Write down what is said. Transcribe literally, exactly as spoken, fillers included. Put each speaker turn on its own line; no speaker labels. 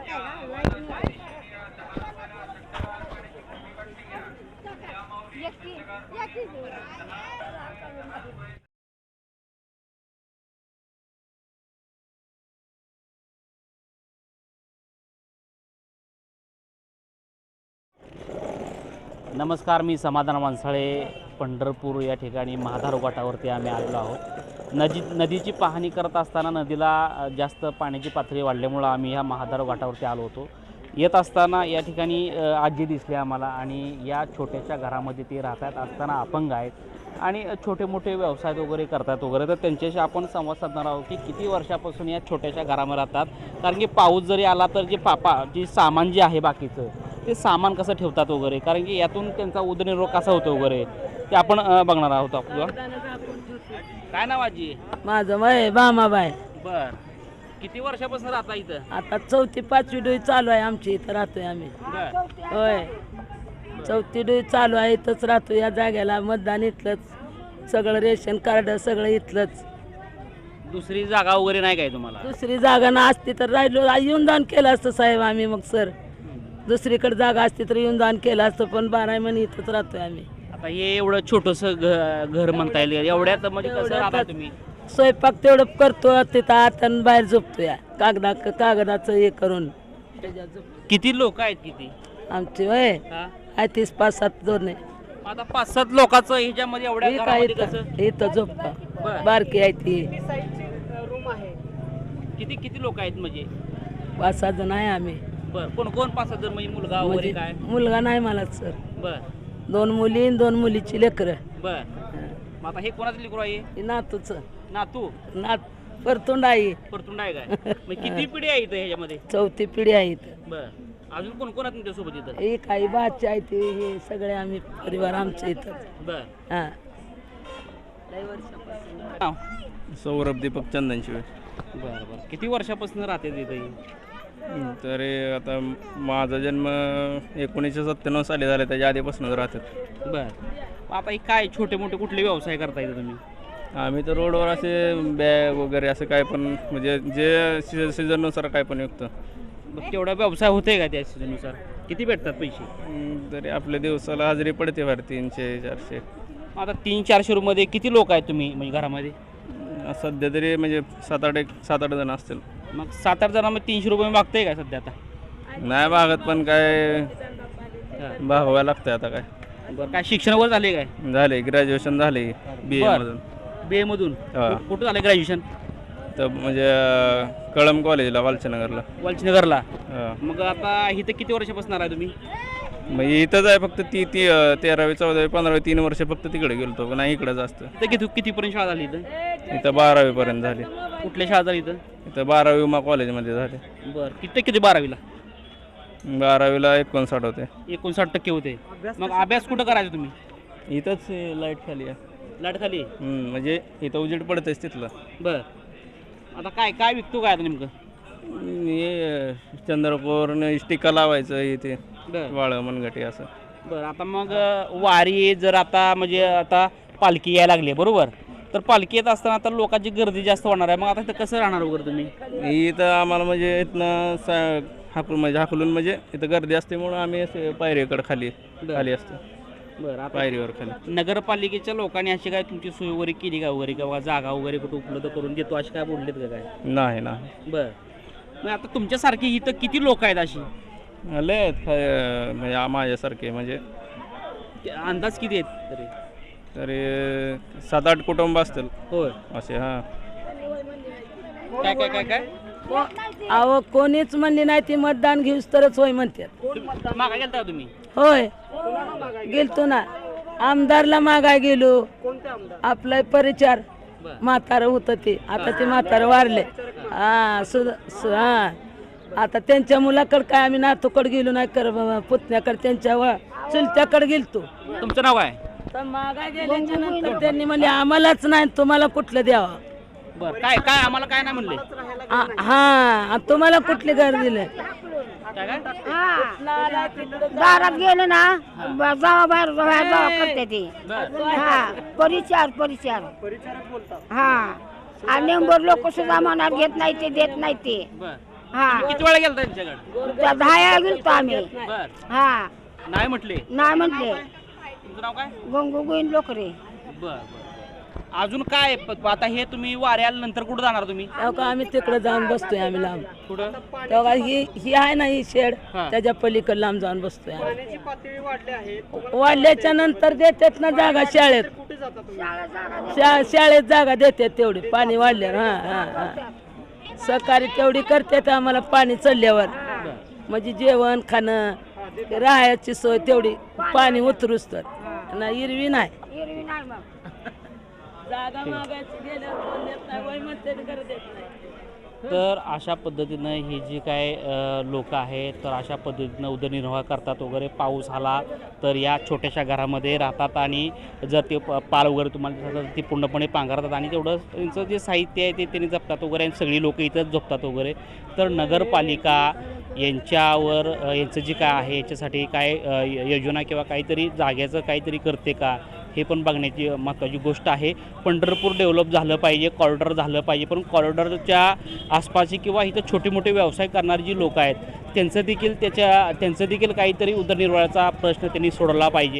नमस्कार, मी समाधान मानसाळे. पंढरपूर या ठिकाणी महाधार घाटावरती आम्ही आलेलो आहोत. नदी नदीची पाहणी करत असताना नदीला जास्त पाण्याची पातळी वाढल्यामुळं आम्ही ह्या महाधार घाटावरती आलो होतो. येत असताना या ठिकाणी आजी दिसली आम्हाला आणि या छोट्याशा घरामध्ये ते राहतात असताना अपंग आहेत आणि छोटे मोठे व्यवसाय वगैरे करतात वगैरे. तर त्यांच्याशी आपण संवाद साधणार आहोत की किती वर्षापासून या छोट्याशा घरामध्ये राहतात. कारण की पाऊस जरी आला तर जे पापा जे सामान जे आहे बाकीचं ते सामान कसं ठेवतात वगैरे, कारण की यातून त्यांचा उदरनिर्वाह कसा होतो वगैरे ते आपण बघणार आहोत. आपलं काय नाव आजी?
माझं वय बामाबाई.
बर, किती वर्षापासून राहता इथं?
आता चौथी पाचवी डोई चालू आहे आमची. इथं राहतोय आम्ही. होय, चौथी डोई चालू आहे. इथंच राहतो या जागेला. मतदान इथलंच, सगळं रेशन कार्ड सगळं इथलंच.
दुसरी जागा वगैरे नाही काय तुम्हाला?
दुसरी जागा ना असती तर राहिलो येऊन दान केलं असतं साहेब आम्ही. मग सर दुसरीकडे जागा असती तर येऊन दान केलं असतं, पण बारा महिने इथंच राहतोय आम्ही.
आता हे एवढं छोटंसं घर म्हणता येईल, एवढ्यात म्हणजे कसं राहता तुम्ही?
स्वयंपाक तेवढं करतो तिथं आत आणि बाहेर झोपतो या कागदा कागदाचं हे करून.
किती लोक आहेत? किती
आमची वय आहे तीस पाच सात दोन आहे.
आता पाच सात लोकांचं ह्याच्यामध्ये एवढ्या
काय
घरामध्ये कसं?
इथं झोपता बारकी आहे ती.
किती किती लोक आहेत म्हणजे?
पाच सहा जण आहे आम्ही.
बर, कोण कोण पाच सहा जण म्हणजे मुलगा वगैरे काय?
मुलगा नाही मला सर.
बर,
दोन मुली आणि दोन मुलीची लेकरं.
बर, मग आता हे कोणाचं लेकरू आहे?
नातूच.
नातू?
नात परतुंड आहे.
परतुंड आहे काय? मग किती पिढी आहे इथं ह्याच्यामध्ये?
चौथी पिढी आहे इथं.
बर, अजून कोण कोण आहे तुमच्यासोबत इथं?
हे काही बाचे आहे ते हे सगळे आम्ही परिवार आमच्या इथं.
बर,
हां.
सौरभ दीपक चंदनशिवाय.
बर बर, किती वर्षापासून राहते तिथं?
तर आता माझा जन्म एकोणीसशे सत्त्याण्णव साली झाला, त्याच्या आधीपासूनच राहतात.
बर, आता हे काय छोटे मोठे कुठले व्यवसाय करता येतं तुम्ही?
आम्ही तर रोडवर असे बॅग वगैरे असं काय पण म्हणजे जे सी सीझननुसार काय पण विकतो.
मग तेवढा व्यवसाय होते का त्या सीझननुसार? किती भेटतात पैसे?
तरी आपल्या दिवसाला हजेरी पडते फार तीनशे चारशे.
आता तीन चारशे रुपये किती लोक आहेत तुम्ही म्हणजे घरामध्ये?
सध्या तरी म्हणजे सात आठ एक सात आठ जण असतील.
मग सात आठ जणांमध्ये तीनशे रुपये मागताय का सध्या? आता
नाही भागत, पण काय भागवायला लागतंय आता. काय
बरं, काय शिक्षण वगैरे झाले काय?
झाले, ग्रॅज्युएशन झाले बी ए मधून.
बी ए मधून?
हा.
कुठं झालं ग्रॅज्युएशन?
तर म्हणजे कळम कॉलेजला वालचनगरला.
वालचनगरला?
हां.
मग आता इथं किती वर्षापासून आहे तुम्ही?
मग इथंच आहे फक्त ती ती तेरावी चौदावी पंधरावी तीन वर्ष फक्त तिकडे गेलतो, पण नाही इकडंच असतं.
तर किती कितीपर्यंत शाळा झाली इथं?
इथं बारावीपर्यंत झाली.
कुठल्या शाळा झाली इथं?
इथं बारावी उमा कॉलेजमध्ये झाले.
बरं, किती किती बारावीला?
बारावीला एकोणसाठ होते.
एकोणसाठ टक्के होते. मग अभ्यास कुठं करायचा तुम्ही?
इथंच लाईट खाली आहे.
लाट खाली?
म्हणजे इथं उजेड पडतंच तिथलं.
बरं, आता काय काय विकतो काय आता नेमकं?
हे चंद्रपूर टिका लावायचं इथे वाळ मनगटी असं.
बरं, आता मग वारी जर आता म्हणजे आता पालखी यायला लागली बरोबर, तर पालखी येत असताना आता लोकांची गर्दी जास्त होणार आहे. मग आता इथं कसं राहणार वगैरे तुम्ही?
इथं आम्हाला म्हणजे इथनं सा हाकलून म्हणजे हाकलून म्हणजे इथं गर्दी असल्यामुळं आम्ही असे पायरीकडे खाली खाली असतो.
बरं,
पायरीवर खाली.
नगरपालिकेच्या लोकांनी अशी काय तुमची सोय वगैरे केली का वगैरे, किंवा जागा वगैरे कुठं उपलब्ध करून देतो अशी काय बोललेत का काय?
नाही नाही.
बरं, मग आता तुमच्यासारखी इथं किती लोक आहेत अशी?
लय आहेत काय म्हणजे माझ्यासारखे म्हणजे
अंदाज किती आहेत तरी?
तरी सात आठ कुटुंब असतील.
होय
असे. हां.
काय काय काय काय
अहो कोणीच म्हणली नाही ती मतदान घेऊस तरच होय म्हणतात.
मागा गेलता तुम्ही?
होय गेलतो ना, आमदारला मागाय गेलो. आपलं परिचार म्हातारं होतं ते, आता ते म्हातारं वारले. हा सुद्धा हा आता त्यांच्या मुलाकडे काय आम्ही नातूकडे गेलो नाही, कर पुतण्याकडे त्यांच्या चुलत्याकडे गेलतो.
तुमचं नाव आहे?
तर मागाय गेल्याच्या नंतर त्यांनी म्हणले आम्हालाच नाही तुम्हाला कुठलं द्यावं.
बरं, काय काय आम्हाला काय नाही म्हणले?
हा तुम्हाला कुठले घर दिले?
दारात गेले ना जावा बाहेर जावा करते ती. हा परिचार परिचार हा आणि नंबर लोक सुद्धा मनात घेत नाही ते देत नाही ते. हा
किती वेळा गेला त्यांच्याकडे?
त्या दहा गेलतो आम्ही
बर
हा
नाही म्हटले.
नाही म्हटले
तुमचं नाव काय?
गंगू गोविंद लोकरे.
बर बर अजून काय प- आता हे तुम्ही वाऱ्या आल्यानंतर कुठं जाणार तुम्ही?
तेव्हा का आम्ही तिकडे जाऊन बसतोय आम्ही लांब.
कुठं?
तेव्हा ही ही आहे ना ही शेड
हा.
त्याच्या पलीकडे लांब जाऊन बसतोय आम्ही. वाढल्याच्या नंतर देतात ना जागा शाळेत. शा- शाळेत जागा देतात तेवढी पाणी वाढल्यावर. हा हा हा सहकारी तेवढी करतात आम्हाला पाणी चढल्यावर. म्हणजे जेवण खाणं राहायची सोय तेवढी पाणी उतरूच तर ना इरवी नाही.
एरवी नाही मग
जागा मागायची गेल्यावर कोण देत नाही वय म्हणते ते करत देत नाही.
तर अशा पद्धतीनं ही जी काय लोक आहेत तर अशा पद्धतीनं उदरनिर्वाह करतात वगैरे. पाऊस आला तर या छोट्याशा घरामध्ये राहतात आणि जर ते प- पाल वगैरे तुम्हाला दिसत असेल, ती पूर्णपणे पांघरतात आणि तेवढं त्यांचं जे साहित्य आहे ते त्यांनी जपतात वगैरे आणि सगळी लोक इथंच झोपतात वगैरे. तर नगरपालिका यांच्यावर अ, यांचं जे काय आहे याच्यासाठी काय अ, य- योजना किंवा काहीतरी जाग्याचं काहीतरी करते का हे पण बघण्याची महत्त्वाची गोष्ट आहे. पंढरपूर डेव्हलप झालं पाहिजे, कॉरिडॉर झालं पाहिजे, पण कॉरिडॉरच्या आसपासची किंवा इथं छोटे मोठे व्यवसाय करणारी जी लोक आहेत त्यांचं देखील त्याच्या त्यांचं देखील काहीतरी उदरनिर्वाहाचा प्रश्न त्यांनी सोडवला पाहिजे.